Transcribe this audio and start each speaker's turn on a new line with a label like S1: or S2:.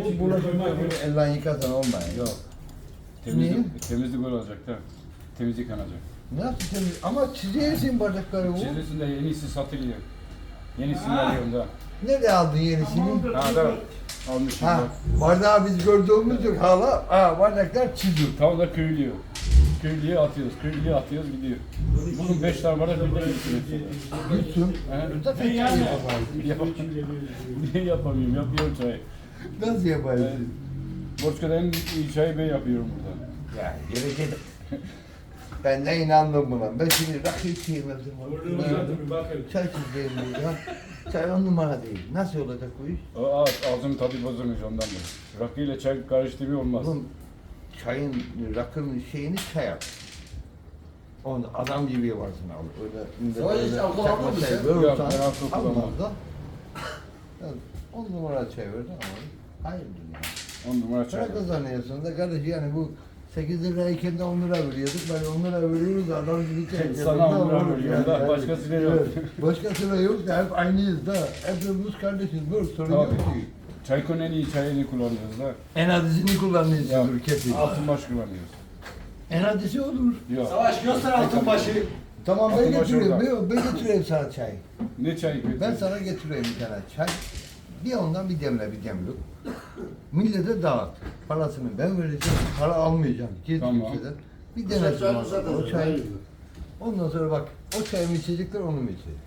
S1: Bu bulaşıkta böyle elden yıkasan olmuyor.
S2: Yok. Temizlik olacak da. Temizlik yanacak.
S1: Nasıl temiz? Ama çiziyorsun bardakları bu.
S2: Çizilsin de yenisi satılıyor. Yenisini alıyorum da.
S1: Nerede aldın yenisini?
S2: Ha da almışım
S1: Ha,
S2: da.
S1: bardağı biz gördüğümüz yok hala. Ha, bardaklar çiziyor.
S2: Tam da köylüyor. Köylüye atıyoruz, köylüye atıyoruz gidiyor. Bunun 5 tane bardak birden gitsin.
S1: Gitsin. Zaten çay yapamayız.
S2: Niye yapamıyorum? Yapıyorum çayı.
S1: Nasıl yaparsın?
S2: Borçka'da en iyi çayı ben yapıyorum burada.
S1: Ya gelecek. Ben de inandım buna. Ben şimdi rakı içeyemezdim. Çay çizeyim diye ya. Çay 10 numara değil. Nasıl olacak bu iş?
S2: O ağzının tadı bozulmuş ondan da. Rakı ile çay karıştırıyor olmaz.
S1: Oğlum çayın, rakının şeyini çay yap. Onu adam gibi yaparsın abi. Öyle
S3: hiç alkol
S1: çakma
S3: almadın
S1: çay
S2: Yok,
S3: sen?
S1: verirsen
S2: ben alkol
S1: almaz
S2: kullanmam.
S1: da. Ya, 10 numara çay verirsen ama hayırdır ya.
S2: 10 numara çay.
S1: Para kazanıyorsun da kardeş yani bu 8 lirayken de 10 lira veriyorduk. Ben 10 lira veriyoruz adam gibi çay.
S2: Sana
S1: Ya,
S2: 10 lira
S1: olur
S2: veriyorum da, başkasıyla yok.
S1: Evet, başkasıyla yok da hep aynıyız da. Hepimiz kardeşiz. Böyle sorun yok
S2: Tabii.
S1: ki.
S2: Çaykonun en iyi çayını kullanıyoruz da.
S1: En adisini kullanıyorsundur
S2: Ya,
S1: kesin.
S2: Altınbaş kullanıyoruz.
S1: En adisi olur.
S2: Yok.
S3: Savaş göster altın başı.
S1: Tamam ben
S2: Altınbaş
S1: getiriyorum.
S2: orada.
S1: Ben getireyim sana çay.
S2: Ne çayı
S1: Ben
S2: götürüyorsun?
S1: sana getireyim bir tane çay. Bir ondan bir demle bir demlik. Millete dağıt. Parasını ben vereceğim. Para almayacağım. Gizli
S2: Tamam.
S1: kimseden. Bir denesin bana o çayı. Ondan sonra bak o çayı mı içecekler onu mu içecek?